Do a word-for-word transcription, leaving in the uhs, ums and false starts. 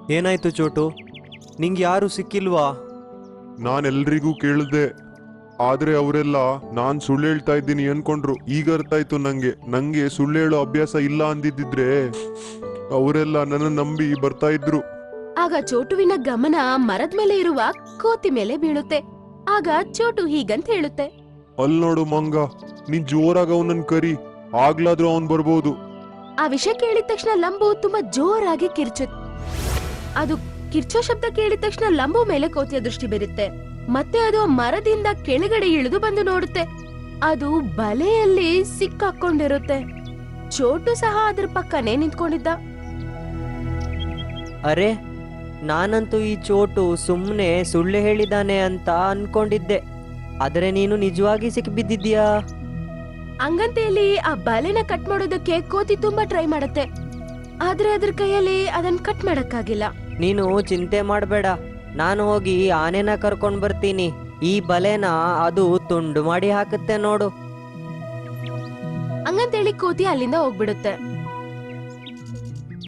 ಏನಾಯ್ತು ಚೋಟು? ನಿಂಗೆ ಯಾರು ಸಿಕ್ಕಿಲ್ವಾ? ನಾನೆಲ್ರಿಗೂ ಕೇಳಿದೆ, ಆದ್ರೆ ಅವರೆಲ್ಲ ನಾನ್ ಸುಳ್ಳು ಹೇಳ್ತಾ ಇದ್ದೀನಿ ಅನ್ಕೊಂಡ್ರು. ಈಗ ಅರ್ಥ ಆಯ್ತು ನಂಗೆ ನಂಗೆ ಸುಳ್ಳು ಹೇಳೋ ಅಭ್ಯಾಸ ಇಲ್ಲ ಅಂದಿದ್ದಿದ್ರೆ ಅವರೆಲ್ಲ ನನ್ನ ನಂಬಿ ಬರ್ತಾ ಇದ್ರು. ಆಗ ಚೋಟುವಿನ ಗಮನ ಮರದ ಮೇಲೆ ಇರುವ ಕೋತಿ ಮೇಲೆ ಬೀಳುತ್ತೆ. ಆಗ ಚೋಟು ಹೀಗಂತ ಹೇಳುತ್ತೆ, ಅಲ್ ನೋಡು ಮಂಗ, ನೀನ್ ಜೋರಾಗ ಅವನನ್ ಕರಿ, ಆಗ್ಲಾದ್ರೂ ಅವನ್ ಬರ್ಬೋದು. ಆ ವಿಷಯ ಕೇಳಿದ ತಕ್ಷಣ ಲಂಬು ತುಂಬಾ ಜೋರಾಗಿ ಕಿರ್ಚುತ್ತೆ. ಅದು ಕಿರ್ಚೋ ಶಬ್ದ ಕೇಳಿದ ತಕ್ಷಣ ಲಂಬು ಮೇಲೆ ಕೋತಿಯ ದೃಷ್ಟಿ ಬೀರುತ್ತೆ. ಮತ್ತೆ ಅದು ಮರದಿಂದ ಕೆಳಗಡೆ ಇಳಿದು ಬಂದು ನೋಡುತ್ತೆ. ಅದು ಬಲೆಯಲ್ಲಿ ಸಿಕ್ಕಾಕೊಂಡಿರುತ್ತೆ. ಚೋಟು ಸಹ ಅದ್ರ ಪಕ್ಕನೆ ನಿಂತ್ಕೊಂಡಿದ್ದ. ಅರೆ, ನಾನಂತೂ ಈ ಚೋಟು ಸುಮ್ಮನೆ ಸುಳ್ಳು ಹೇಳಿದಾನೆ ಅಂತ ಅನ್ಕೊಂಡಿದ್ದೆ. ಆದರೆ ನೀನು ನಿಜವಾಗಿ ಸಿಕ್ಕಿಬಿದ್ದಿದ್ಯಾ? ಹಂಗಂತೇಳಿ ಆ ಬಲೆನ ಕಟ್ ಮಾಡೋದಕ್ಕೆ ಕೋತಿ ತುಂಬಾ ಟ್ರೈ ಮಾಡುತ್ತೆ. ಆದ್ರೆ ಅದ್ರ ಕೈಯಲ್ಲಿ ಅದನ್ನ ಕಟ್ ಮಾಡಕ್ಕಾಗಿಲ್ಲ. ನೀನು ಚಿಂತೆ ಮಾಡಬೇಡ, ನಾನು ಹೋಗಿ ಆನೆನ ಕರ್ಕೊಂಡು ಬರ್ತೀನಿ. ಈ ಬಲೆನ ಅದು ತುಂಡು ಮಾಡಿ ಹಾಕುತ್ತೆ ನೋಡು. ಹಂಗಂತೇಳಿ ಕೋತಿ ಅಲ್ಲಿಂದ ಹೋಗ್ಬಿಡುತ್ತೆ.